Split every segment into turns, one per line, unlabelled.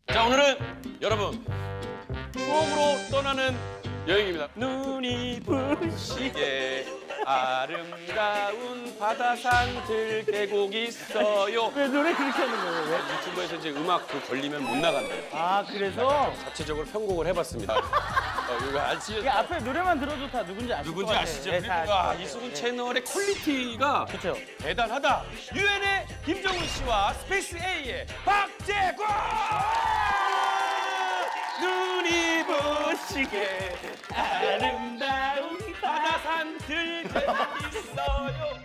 자, 오늘은 여러분 추억으로 떠나는 여행입니다. 눈이 부시게 아름다운 바다산들 계곡 있어요.
왜 노래 그렇게 하는 거예요? 왜?
유튜브에서 이제 음악 걸리면 못 나간대요.
아 그래서
자체적으로 편곡을 해봤습니다. 이거 아시죠?
이 앞에 노래만 들어도 다 누군지 아실 것
누군지
같아요.
아시죠?
네,
그리고
다 아실
와,
거예요.
이수근
네.
채널의 퀄리티가
그렇죠.
대단하다. 유엔의 김정은 씨와 스페이스 A의 박재권! 눈이 부시게 아름다운 바다산들 있어요.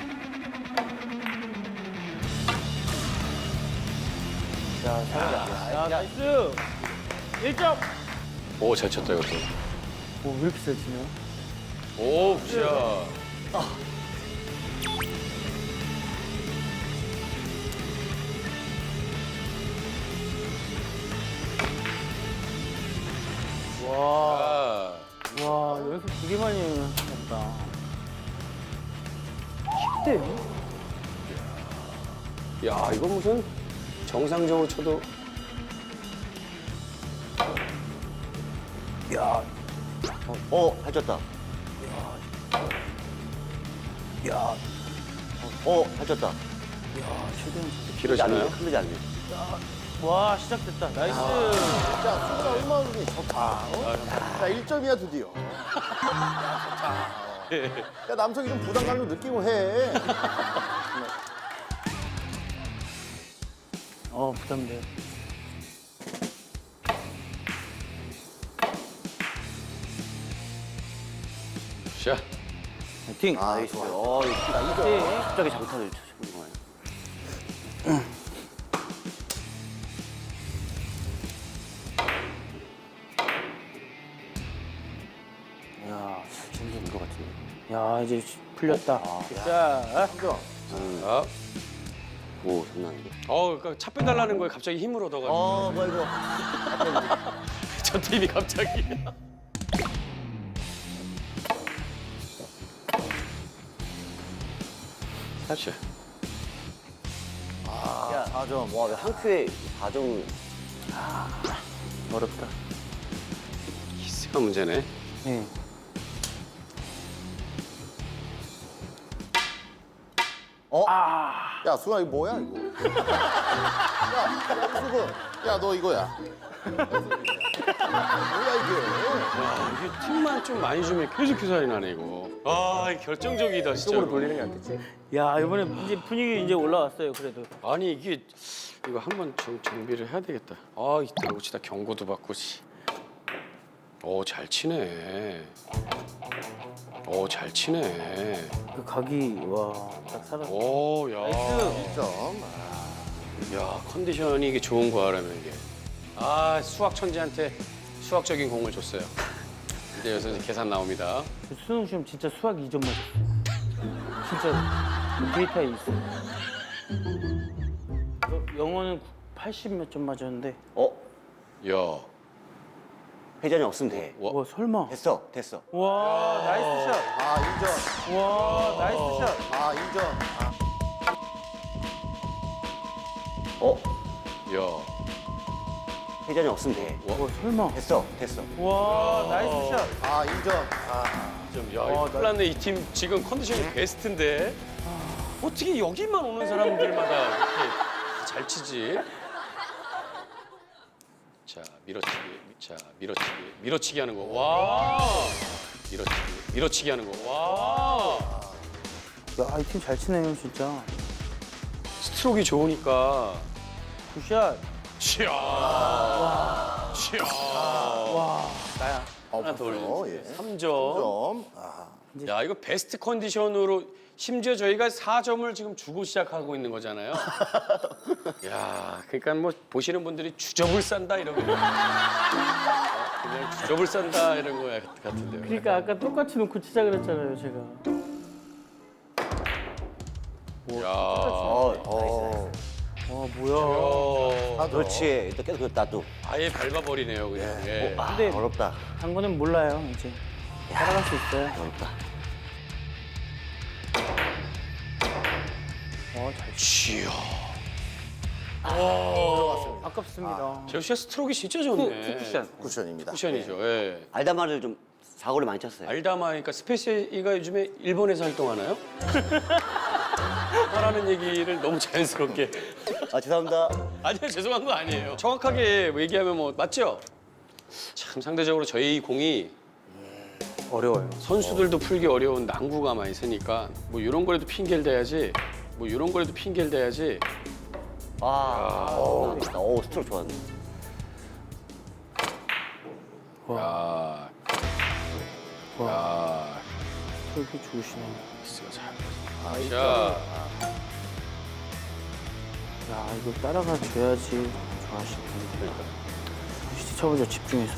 자, 잘한다. 야, 나이스. 1점.
오, 잘 쳤다 이것도.
오, 왜 이렇게 잘 치냐?
오, 굿샷.
와,
아,
와, 여기서 되게 많이 했다. 10대?
야, 이거 무슨 정상적으로 쳐도.
야,
잘 쳤다.
야,
잘 쳤다.
야, 최대한
길어지나요?
흔들지 않네.
와, 시작됐다. 나이스.
자, 수고가 얼마나 좋니? 좋다. 자, 1점이야 드디어. 야, 좋다. 야, 남성이 좀 부담감 좀 느끼고 해.
부담돼.
샷.
파이팅.
아, 좋아요.
파이팅.
갑자기 장타를 쳐보는 거예요.
야,
잘 치는 것 같은데.
야, 이제 풀렸다. 자,
아.
오, 장난이고.
그러니까 차 빼달라는 거에 갑자기 힘을 얻어가지고.
뭐 이거.
저 팀이 갑자기. 샷.
야, 4점. 와, 왜 한 큐에 4점을.
어렵다.
키스가 문제네.
예.
야, 수아 이거 뭐야 이거? 야, 수근. 야, 너 이거야. 뭐야 이게?
와, 이게 팀만 좀 많이 주면 계속 기사리 나네, 이거. 아, 결정적이다, 진짜.
돌리는 게 낫겠지? 야, 이번에 이제 분위기 이제 올라왔어요, 그래도.
아니, 이게, 이거 한번 정비를 해야 되겠다. 아, 이 들어오치다 경고도 받고, 씨. 잘 치네. 잘 치네.
그 각이, 와, 딱 살았어.
야.
나이스.
1점.
야, 컨디션이 이게 좋은 거라면 이게. 수학 천재한테 수학적인 공을 줬어요. 이제 여기서 이제 계산 나옵니다.
그 수능 시험 진짜 수학 2점 맞았어. 진짜 데이터에 있어. 영어는 80 몇 점 맞았는데.
야,
회전이 없으면 돼.
와, 설마.
됐어.
와, 나이스 샷.
아, 2점.
와, 나이스 샷.
아, 2점.
야.
회전이 없으면 돼.
와, 설마.
됐어.
와, 나이스 샷.
아, 2점. 아,
이거 큰일 났네. 이 팀 지금 컨디션이 베스트인데. 어떻게 여기만 오는 사람들마다 이렇게 잘 치지? 자, 밀어치기 하는 거. 와. 밀어치기 하는 거. 와.
야, 이 팀 잘 치네요, 진짜.
스트로크가 좋으니까.
굿샷.
치아.
와, 나야.
하나 더 올려.
예.
3점.
3점.
야, 이거 베스트 컨디션으로 심지어 저희가 4점을 지금 주고 시작하고 있는 거잖아요. 야, 그러니까 뭐 보시는 분들이 주접을 싼다 이런 거. 그냥 주접을 싼다 이런 거 같은데요.
그러니까 아까 똑같이 놓고 치자 그랬잖아요, 제가.
야.
와, 뭐야.
그렇지. 또 계속 나도.
아예 밟아버리네요, 그냥. 예.
근데
어렵다.
당구는 몰라요, 이제. 따라갈 수 있어요.
어렵다.
잘
치아.
아까 아깝습니다.
재우 씨가 스트로크 진짜 좋네.
쿠션.
쿠션입니다.
쿠션이죠. 예.
알다마를 좀 사고를 많이 쳤어요.
알다마니까 스페이스가 요즘에 일본에서 활동하나요? 하라는 얘기를 너무 자연스럽게.
아 죄송합니다.
아니요, 죄송한 거 아니에요. 정확하게 얘기하면 뭐 맞죠? 참 상대적으로 저희 공이
어려워요.
선수들도 풀기 어려운 난구가 많이 있으니까 뭐 이런 거라도 핑계를 대야지. 뭐 이런 거라도 핑계를 대야지.
오 스트로크 좋았네.
야, 야,
그렇게 좋으시네.
미스가 잘. 자,
야, 이거 따라가 줘야지 좋아하시는 분들. 진짜 쳐보자, 집중해서.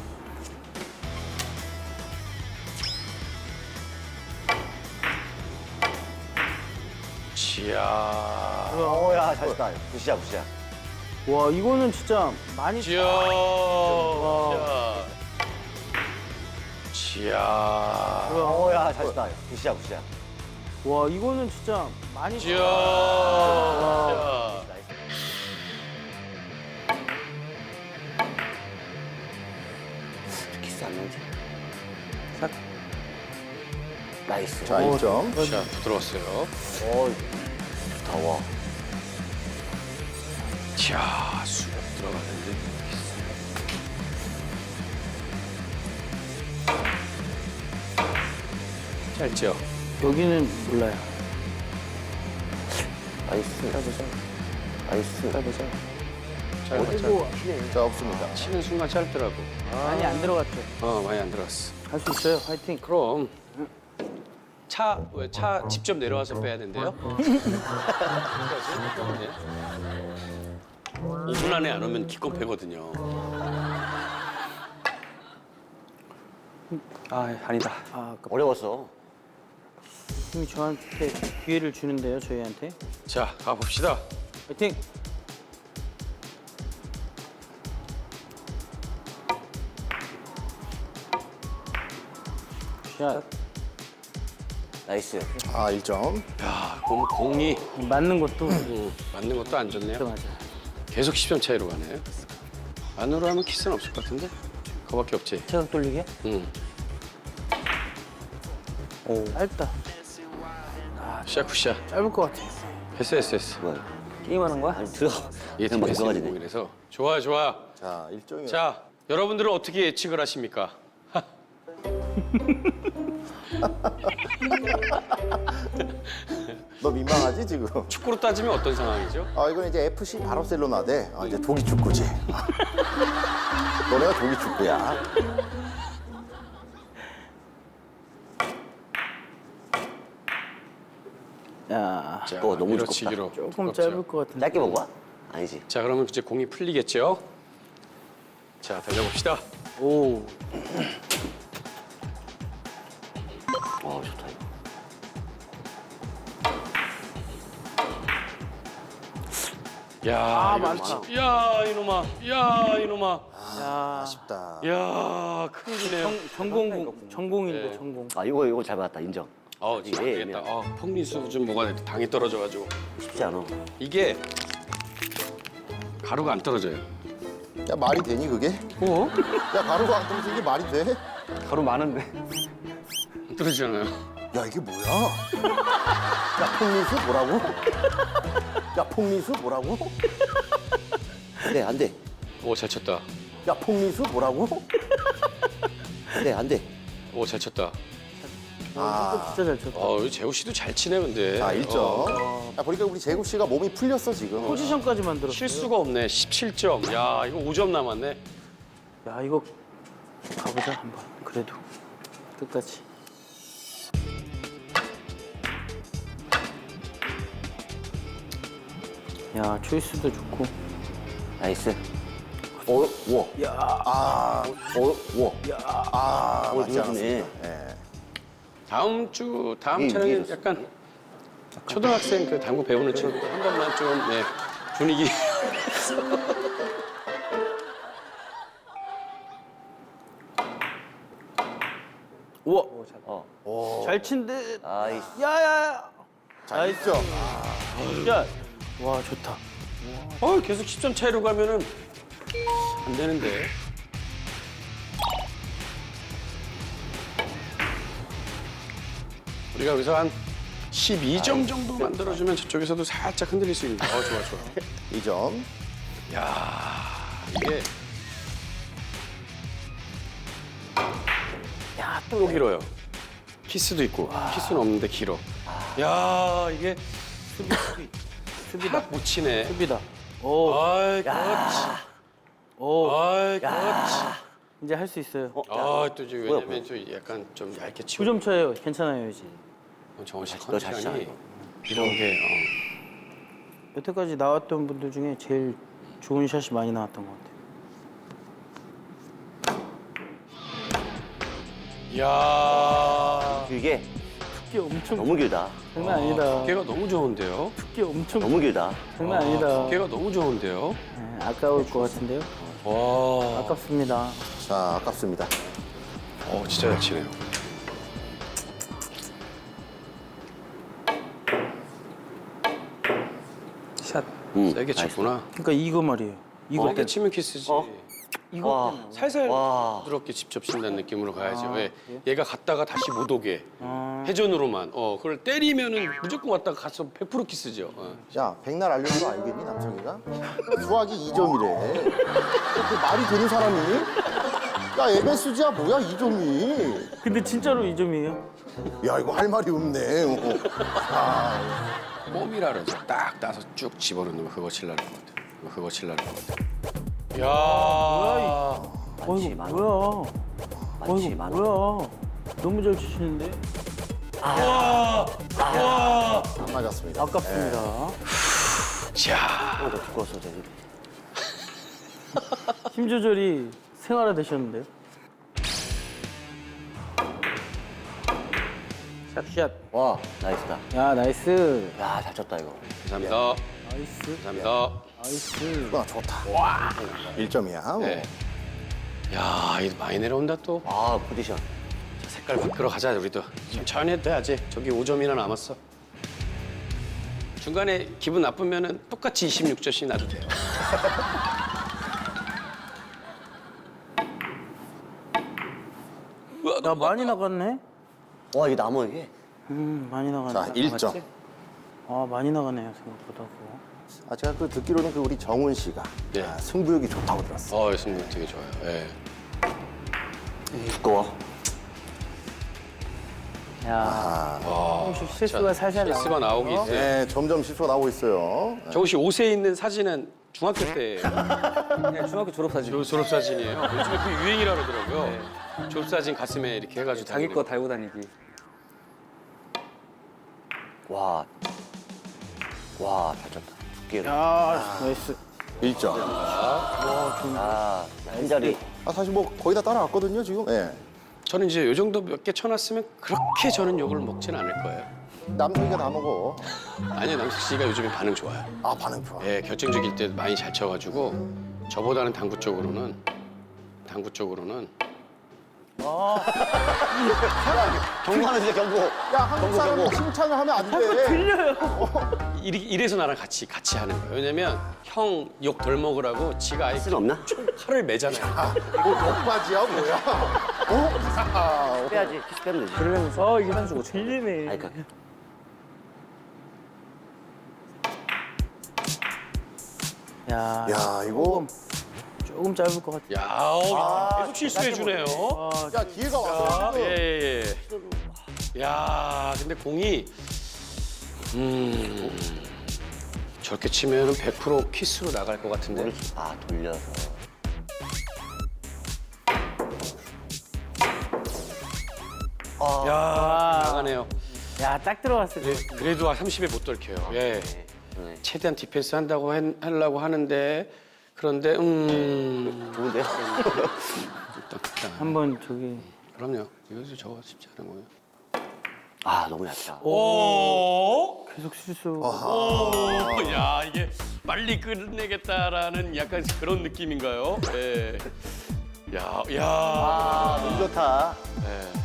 지야,
오야 잘 쳤다. 굿이야 굿이야.
와, 이거는 진짜 많이
지야, 지야,
오야 잘 쳤다. 굿이야 굿이야.
와, 이거는 진짜 많이
지야, 지야.
키스 안 나오지?
싹.
나이스.
자, 1점.
자, 부드러웠어요.
오 좋다 와.
자, 수력 들어가는데. 짧죠?
여기는 몰라요.
나이스. 해보자. 나이스. 해보자.
짧았죠?
자, 없습니다.
치는 순간 짧더라고.
많이 안 들어갔죠.
많이 안 들어갔어.
할 수 있어요. 화이팅.
그럼 차 직접 내려와서 빼야 된대요? 5분 안에 안 오면 기껏 빼거든요.
아, 아니다. 아, 아깝다.
어려웠어.
팀이 저한테 기회를 주는데요, 저희한테.
자, 가봅시다.
화이팅! 샷.
나이스.
아, 1점.
야, 공이
맞는 것도
맞는 것도 안 좋네요.
맞아.
계속 10점 차이로 가네요. 안으로 하면 키스는 없을 것 같은데? 그거밖에 없지.
체각 돌리게?
응.
오. 짧다.
샤쿠샤.
짧을 것 같아.
했어.
뭐야?
게임하는 거야?
아니 들어.
얘
그냥 막
패스
들어가지네.
공이라서. 좋아.
자, 1점이요.
자, 여러분들은 어떻게 예측을 하십니까?
너 민망하지, 지금?
축구로 따지면 어떤 상황이죠?
아, 이건 이제 FC 바르셀로나 대 이제 조기 축구지. 너네가 조기 축구야.
야,
자,
너무
밀어치기로.
조금
두껍죠.
짧을 것 같은데.
짧게 먹어? 아니지.
자, 그러면 이제 공이 풀리겠죠? 자, 달려봅시다.
오.
좋다 이거.
야, 이거
많다.
미치- 야, 이놈아.
야,
아쉽다.
야, 큰일이네요.
전공인데,
네.
전공.
아 이거 잘 받았다 인정.
진짜 안
예,
되겠다. 펑리수 좀 뭐가 당이 떨어져가지고.
쉽지 않아.
이게 가루가 안 떨어져요.
야, 말이 되니, 그게?
어?
야, 가루가 안 떨어지는 게 말이 돼?
가루 많은데.
안 떨어지잖아요.
야, 이게 뭐야? 야, 폭리수 뭐라고? 야, 폭리수 뭐라고?
안돼 안돼.
오, 잘 쳤다.
야, 폭리수 뭐라고?
안돼 안돼.
오, 잘 쳤다.
아,
진짜 잘 쳤다.
재우 씨도 잘 치네, 근데.
자, 1점. 야, 보니까 우리 재국 씨가 몸이 풀렸어, 지금.
포지션까지 만들었어요.
실수가 없네. 17점. 야, 이거 5점 남았네.
야, 이거 가보자 한번. 그래도 끝까지. 야, 초이스도 좋고.
나이스. 와.
아,
와.
아, 맞지
누워주네.
않았습니다. 예.
다음 촬영에
이해했어.
약간 초등학생 그 당구 배우는 친구 한 번만 좀 분위기.
우와,
어.
잘 친데.
나이스.
야야야.
자, 1점.
야, 와 좋다.
계속 10점 차이로 가면은 안 되는데. 우리가 여기서 한 12점 정도 만들어주면 저쪽에서도 살짝 흔들릴 수 있는데. 좋아, 좋아.
2점.
야, 이게 또 길어요. 키스도 있고 키스는 없는데 길어. 야, 이게 수비다. 못 치네.
수비다. 오,
아이, 그렇지.
오.
아이, 그렇지.
이제 할 수 있어요.
또 이제 왜냐면 좀 약간 좀 얇게 치고.
9점 차예요. 괜찮아요, 이제.
정원 씨
너 잘
컨디션이
치잖아,
이런 게
여태까지 나왔던 분들 중에 제일 좋은 샷이 많이 나왔던 것 같아요.
야,
길게
두께 엄청
너무 길다.
장난 아니다.
두께가 너무 좋은데요.
두께 엄청
너무 길다.
장난 아니다.
두께가 너무 좋은데요.
네, 아까울 것 같은데요.
와,
아깝습니다.
자, 아깝습니다.
진짜 잘 치네요. 샷 세게 쳤구나.
그러니까 이거 말이에요. 이거
세게
때문에.
치면 키스지.
이거
와.
때문에.
살살
와.
부드럽게 직접 친다는 느낌으로 가야지. 왜?
그래요?
얘가 갔다가 다시 못 오게. 회전으로만. 그걸 때리면은 무조건 왔다가 가서 100% 키스죠.
야, 백날 알려준 거 알겠니, 남성이가? 수학이 2점이래. 그 말이 되는 사람이? 야, MSG야 뭐야, 2점이?
근데 진짜로 2점이에요.
야, 이거 할 말이 없네.
껌이라 그러죠. 딱 따서 쭉 집어넣는 거 그거 칠라는 것 같아. 그거 칠라는 것 같아. 야,
어이구
많아.
뭐야?
많지,
어이구
많아.
뭐야? 너무 잘 치시는데?
와, 와.
안 맞았습니다.
아깝습니다.
자,
더 두꺼워서 되는데.
힘 조절이 생활화 되셨는데요? 샷.
와, 나이스다.
야 나이스.
야, 잘 쳤다 이거.
감사합니다.
나이스.
감사합니다.
나이스.
좋다. 1점이야.
네. 야, 이거 많이 내려온다 또.
아, 포지션.
자, 색깔 바꾸러 가자 우리도. 천천히 해도 돼야지. 저기 5점이나 남았어. 중간에 기분 나쁘면은 똑같이 26점씩 나도 돼요.
야 많이 나갔네.
와, 이게 나무 이게.
많이 나가네.
자, 1점.
아 많이 나가네요 생각보다. 그거.
제가 듣기로는 우리 정훈 씨가
네.
승부욕이 좋다고 들었어요.
승부 되게 좋아요. 예.
두꺼워.
야 조금씩
자,
실수가 살살 나와.
실수가 나오기 있어요.
네, 점점 실수가 나오고 있어요.
정우 씨 옷에 있는 사진은 중학교 때예요.
그냥 중학교 졸업사진.
졸업 사진이에요. 요즘에 그 유행이라 그러더라고요. 졸업 사진 가슴에 이렇게 해가지고
자기
다니는
거 달고 다니기.
와. 와, 잘 쳤다. 두께가.
야 나이스.
1점.
아, 한 자리.
사실 뭐 거의 다 따라왔거든요, 지금. 예.
저는 이제 요 정도 몇 개 쳐놨으면 그렇게 저는 욕을 먹진 않을 거예요.
남성이가 다 먹어.
아니요, 남식 씨가 요즘에 반응 좋아요.
아, 반응 좋아.
예, 결정적일 때 많이 잘 쳐가지고 저보다는 당구 쪽으로는
경고하는 경고.
야, 한국 사람은 칭찬을 하면 안 돼.
이래서 나랑 같이 하는 거예요. 왜냐면 형 욕 덜 먹으라고 지가 아예
쓸 없나?
칼을 매잖아요.
뭐 역바지야, 뭐야? 어?
빼야지. 키스 빼면 되지.
그러면서 이게 한 주고 들리네.
아니, 그
야,
야, 이거.
조금 짧을 것 같아.
야, 계속 실수해 주네요.
야, 기회가 왔어. 지금.
예. 야, 근데 공이 저렇게 치면은 100% 키스로 나갈 것 같은데.
아, 돌려서.
야, 나가네요.
야, 딱 들어갔을 때.
그래도 30에 못 돌켜요. 예.
네.
최대한 디펜스 한다고 하려고 하는데 그런데
좋은데요?
일단
한번 저기.
그럼요. 이것도 저거 쉽지 않은 거예요.
아, 너무 얇다.
오,
계속 실수.
오, 야 이게 빨리 끝내겠다라는 약간 그런 느낌인가요? 예. 야.
아, 너무 좋다.
예.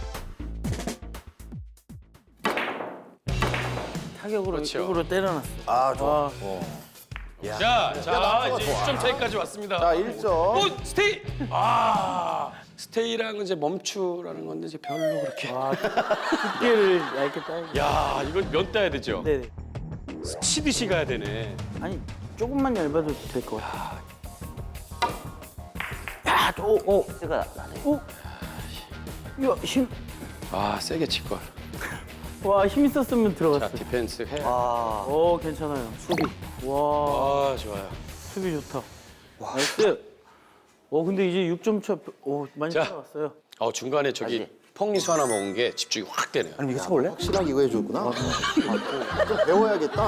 타격으로
그렇죠.
쪽으로 때려놨어.
아, 좋아.
와.
자,
남자가
이제
좋아.
6점 차이까지 왔습니다.
자, 1점.
오, 스테이! 아, 스테이랑은 이제 멈추라는 건데 이제 별로 그렇게.
두께를 얇게 따야
야, 이건 면 따야 되죠?
네네.
치듯이 가야 되네.
아니 조금만 얇아도 될 것 같아. 야,
S가 나네.
이거 힘.
아, 세게 칠 걸.
와, 힘 있었으면
자,
들어갔어.
디펜스 해.
아,
오, 괜찮아요. 수비. 와,
아, 좋아요.
수비 좋다. 나이스. 근데 이제 6점 차. 많이
자.
따라왔어요.
중간에 저기 펑리수 하나 먹은 게 집중이 확 되네요.
아니 이거 쳐볼래?
확실하게 이거 해줬구나. 좀 배워야겠다.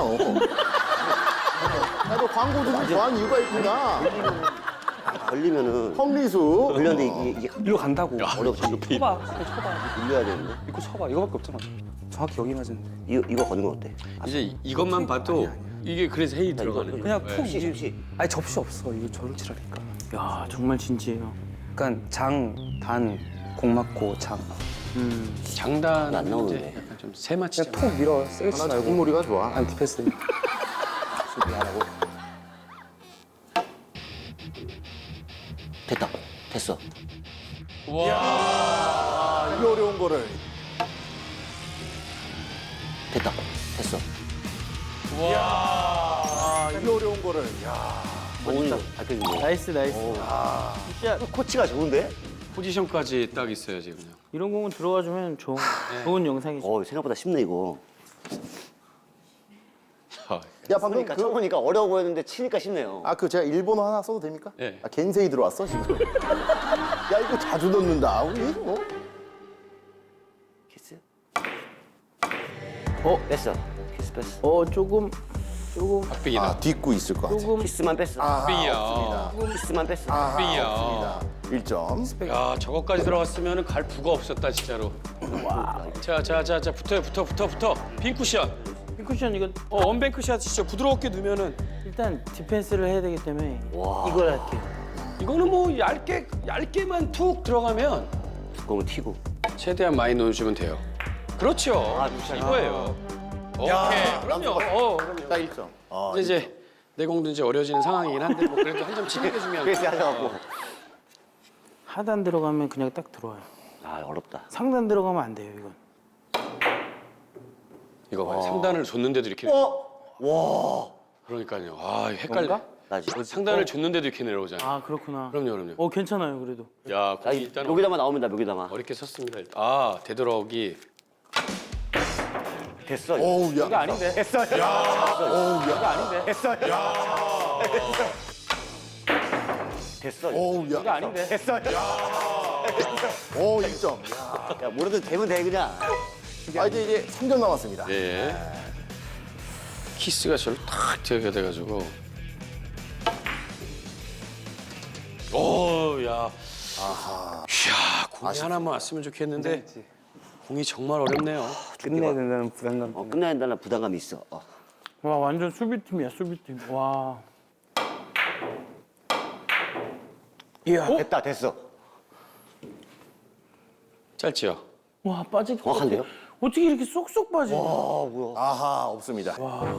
야, 너 광고 듣고 좋아하는 이유가 있구나.
걸리면은
펑리수.
걸렸는데 이게
일로 간다고.
어렵지.
쳐봐. 쳐봐.
돌려야 되는데.
이거 쳐봐. 이거밖에 없잖아. 정확히 여기 맞은데.
이거 거는 건 어때?
이제 이것만 봐도 이게 그래서 헤이 들어가는 거예요.
그냥 푹
접시,
이게-
접시.
아니 접시 없어. 이거 저를 치라니까.
야, 정말 진지해요.
그러니까 장, 단, 공 맞고 장.
장단
안 나오는데.
이제 약간 좀 세마치.
그냥 푹 밀어. 세게 치지
하나
말고.
작물이가 좋아.
안 디펜스.
수비 안 하고.
됐다. 됐어.
이 어려운 거를.
됐다. 됐어.
이 어려운 거를. 야.
오늘 밝혀주네.
나이스, 나이스. 진짜
코치가 좋은데?
포지션까지 딱 있어요 지금.
이런 공은 들어가주면 좋은 영상이죠.
생각보다 쉽네 이거.
야, 방금
그러니까 쳐보니까 어려워 보였는데 치니까 쉽네요.
제가 일본어 하나 써도 됩니까?
네.
겐세이 들어왔어, 지금. 야, 이거 자주 넣는다. 우리 뭐.
키스. 뺐어. 키스 뺐어.
조금.
박빙이다.
딛고 있을 것 같아.
키스만 뺐어.
박빙이야.
키스만 뺐어.
박빙이야.
1점.
야, 저거까지 들어갔으면 갈 부가 없었다 진짜로. 자, 붙어. 빈 쿠션.
핑쿠션 이거
원뱅크 샷 진짜 부드럽게 넣으면은
일단 디펜스를 해야 되기 때문에 이걸 할게요.
이거는 뭐 얇게만 툭 들어가면
두꺼우면 튀고.
최대한 많이 넣어주면 돼요. 그렇죠. 이거예요. 오케이. 그럼요. 그럼요.
자, 1점.
이제 내 공도 이제 어려지는 상황이긴 한데 뭐 그래도 한 점 치는 게 중요한
그래서
거.
하셔갖고.
하단 들어가면 그냥 딱 들어와요.
아 어렵다.
상단 들어가면 안 돼요, 이건.
이거 봐요. 상단을 줬는데도 이렇게.
와.
그러니까요. 헷갈려.
나지.
상단을 줬는데도 이렇게 내려오잖아.
아, 그렇구나.
그럼요.
괜찮아요, 그래도.
야,
나
거기 일단
여기다만 나오면 여기다만.
어렵게 섰습니다. 되돌아오기.
됐어.
어우, 야.
아닌데.
됐어.
어우, 야.
아닌데.
됐어. 됐어.
어우, 야.
아닌데.
됐어.
1점.
야 뭐라도 되면 돼 그냥.
이제 3점 남았습니다.
예. 키스가 저를 탁 들게 돼가지고. 야. 이야, 공이 하나만 왔으면 좋겠는데 공이 정말 어렵네요.
끝내야 된다는 부담감.
끝나야 된다는 부담감이 있어.
와, 완전 수비팀이야, 수비팀. 와. 이야.
됐다 됐어.
짧지요?
와, 빠질 것 같아.
정확한데요?
어떻게 이렇게 쏙쏙 빠지?
아 뭐야.
아하, 없습니다.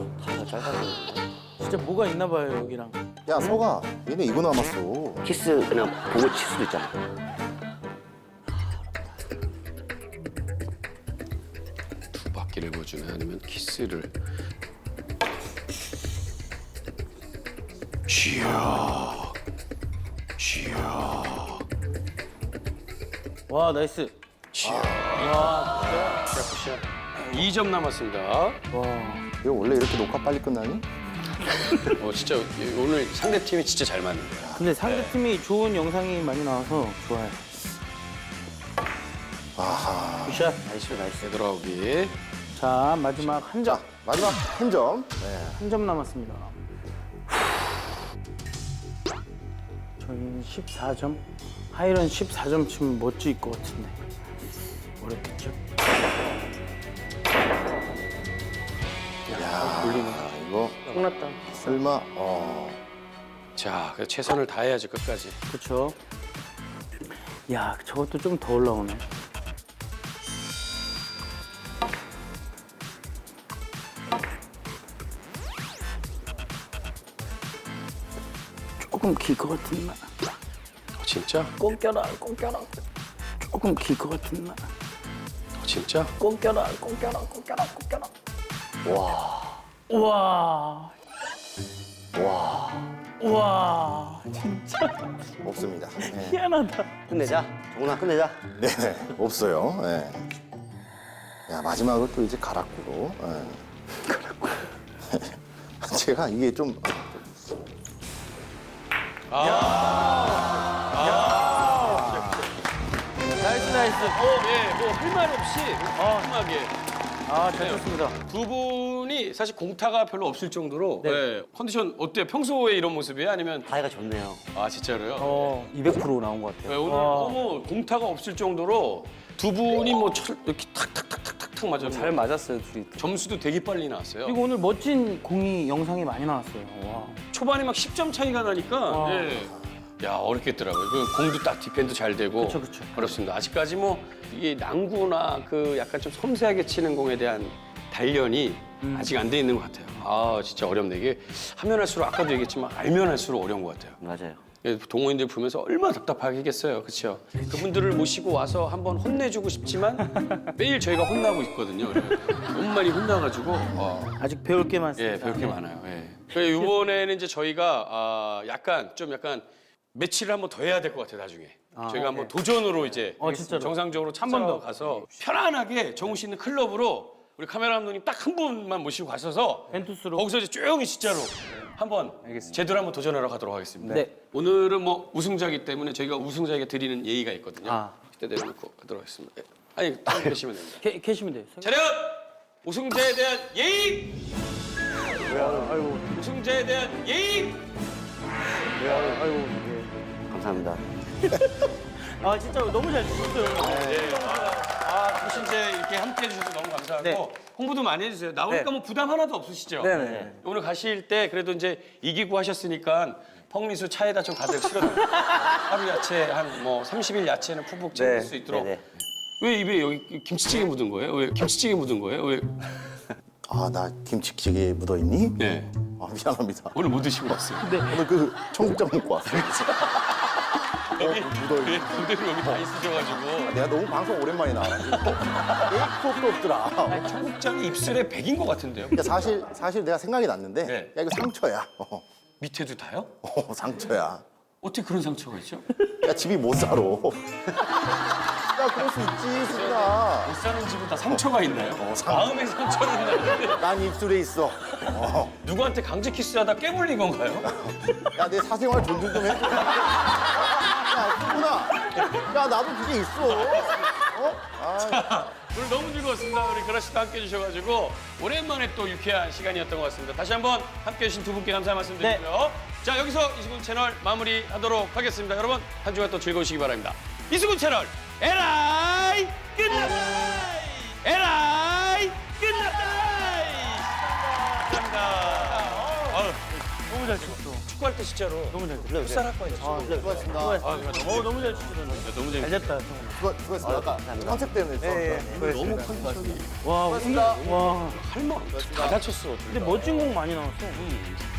진짜 뭐가 있나 봐요, 여기랑.
야, 서가. 얘네 이거 남았어.
키스 그냥 보고 칠 수도 있잖아.
두 바퀴를 보여주면 아니면 키스를. 쥐야.
와, 나이스.
자, 굿샷. 2점 남았습니다.
와.
이거 원래 이렇게 녹화 빨리 끝나니?
진짜 오늘 상대 팀이 진짜 잘 맞는 거야.
근데 상대팀이 좋은 영상이 많이 나와서 좋아요.
아하.
굿샷.
나이스.
되돌아오기.
자, 마지막 한 점.
자, 마지막 한 점.
한 점 남았습니다. 저희는 14점. 하이런 14점 치면 멋질 것 같은데. 어렵겠죠?
이거
끝났다.
설마,
자, 그래서 최선을 다해야죠 끝까지.
그렇죠. 야, 저것도 좀 더 올라오네. 조금 길 것 같은 날.
진짜?
꼭 껴라, 꼭 껴라. 조금 길 것 같은 날.
진짜?
꼭 껴라, 꼭 껴라, 꼭 껴라, 꼭 껴라. 와. 와. 진짜
없습니다. 네.
희한하다.
끝내자. 정훈아 끝내자.
네, 없어요. 네. 야, 마지막을 또 이제 가락구로. 네. 가락구. 제가 이게 좀
나이스, 나이스.
예, 뭐 할 말 없이 깔끔하게.
아, 잘 쳤습니다.
두 분이 사실 공타가 별로 없을 정도로 예, 컨디션 어때요? 평소에 이런 모습이에요? 아니면
사이가 좋네요.
아 진짜로요?
200% 나온 것
예,
같아요.
오늘 너무 공타가 없을 정도로 두 분이 뭐 이렇게 탁탁탁탁탁 맞아.
잘 맞았어요, 둘이.
점수도 되게 빨리 나왔어요.
그리고 오늘 멋진 공이 영상이 많이 나왔어요. 와.
초반에 막 10점 차이가 나니까 예. 야 어렵겠더라고요. 그 공도 딱 디펜도 잘 되고
그쵸, 그쵸.
어렵습니다. 아직까지 뭐 이게 난구나 그 약간 좀 섬세하게 치는 공에 대한 단련이 아직 안 돼 있는 것 같아요. 아 진짜 어렵네. 이게 하면 할수록 아까도 얘기했지만 알면 할수록 어려운 것 같아요.
맞아요.
예, 동호인들 보면서 얼마나 답답하겠어요, 그렇죠? 그분들을 모시고 와서 한번 혼내주고 싶지만 매일 저희가 혼나고 있거든요. 너무 많이 혼나가지고
아직 배울 게 많습니다.
예, 배울 게 많아요. 예. 그래서 이번에는 이제 저희가 약간 매치를 한번 더 해야 될 것 같아요, 나중에. 저희가 한번 도전으로 이제
진짜로?
정상적으로
한번 더.
가서 편안하게 정우 씨 있는 클럽으로 우리 카메라 감독님 딱 한 분만 모시고 가셔서
벤투스로.
거기서 이제 조용히 진짜로 한번
알겠습니다.
제대로 한번 도전하러 가도록 하겠습니다.
네.
오늘은 뭐 우승자이기 때문에 저희가 우승자에게 드리는 예의가 있거든요.
아.
그때 내려놓고 가도록 하겠습니다. 예. 아니, 딱 계시면 됩니다.
캐시면 돼요.
차렷! 우승자에 대한 예의!
아이고.
우승자에 대한 예의!
아이고.
감사합니다.
아, 진짜 너무 잘 치셨어요.
사실 이제 이렇게 함께 해주셔서 너무 감사하고
네.
홍보도 많이 해주세요. 나오니까 뭐 부담 하나도 없으시죠?
네네.
오늘 가실 때 그래도 이제 이기고 하셨으니까 펑리수 차에다 좀 가득 실어드릴게요. 하루 야채 한 뭐 30일 야채는 푹푹 챙길
네.
수 있도록.
네네.
왜 입에 여기 김치찌개 묻은 거예요? 왜 김치찌개 묻은 거예요? 왜?
아, 나 김치찌개 묻어있니?
네.
아, 미안합니다.
오늘 못 드시고 왔어요.
오늘 그 청국장 먹고 왔어요.
여기
묻어있니?
왜 그대로 여기 다 있으셔가지고
내가 너무 방송 오랜만에 나와가지고 에이크도 없더라.
청국장이 입술에 백인 것 같은데요?
그러니까 사실 내가 생각이 났는데
네.
야 이거 상처야.
밑에도 다요?
상처야.
어떻게 그런 상처가 있죠?
야 집이 못 살아. 야 그럴 수 있지 수빈아.
못 사는 집은 다 상처가 있나요?
상-
마음의 상처는 있나요?
난 입술에 있어.
누구한테 강제 키스하다 깨물린 건가요?
야 내 사생활 존중 좀 해줘. 야 수빈아. 야 나도 그게 있어.
오늘 너무 즐거웠습니다. 우리 그라 씨도 함께 해주셔가지고 오랜만에 또 유쾌한 시간이었던 것 같습니다. 다시 한번 함께 해주신 두 분께 감사 말씀드리고요. 자 여기서 이수근 채널 마무리하도록 하겠습니다. 여러분 한 주간 또 즐거우시기 바랍니다. 이수근 채널 에라이 끝났다. 에라이 끝났다. 감사합니다.
너무 잘 쳤어.
축구할 때 진짜로
너무 잘 쳤어.
풋살할 거예요.
수고하셨습니다.
너무 잘 치시더라고요.
너무
잘
재밌었어요.
쳤다, 성훈아.
수고하셨습니다. 아까 컨셉 때문에
너무 컨디션이
와, 와.
할말 다 다쳤어.
근데 멋진 공 많이 나왔어.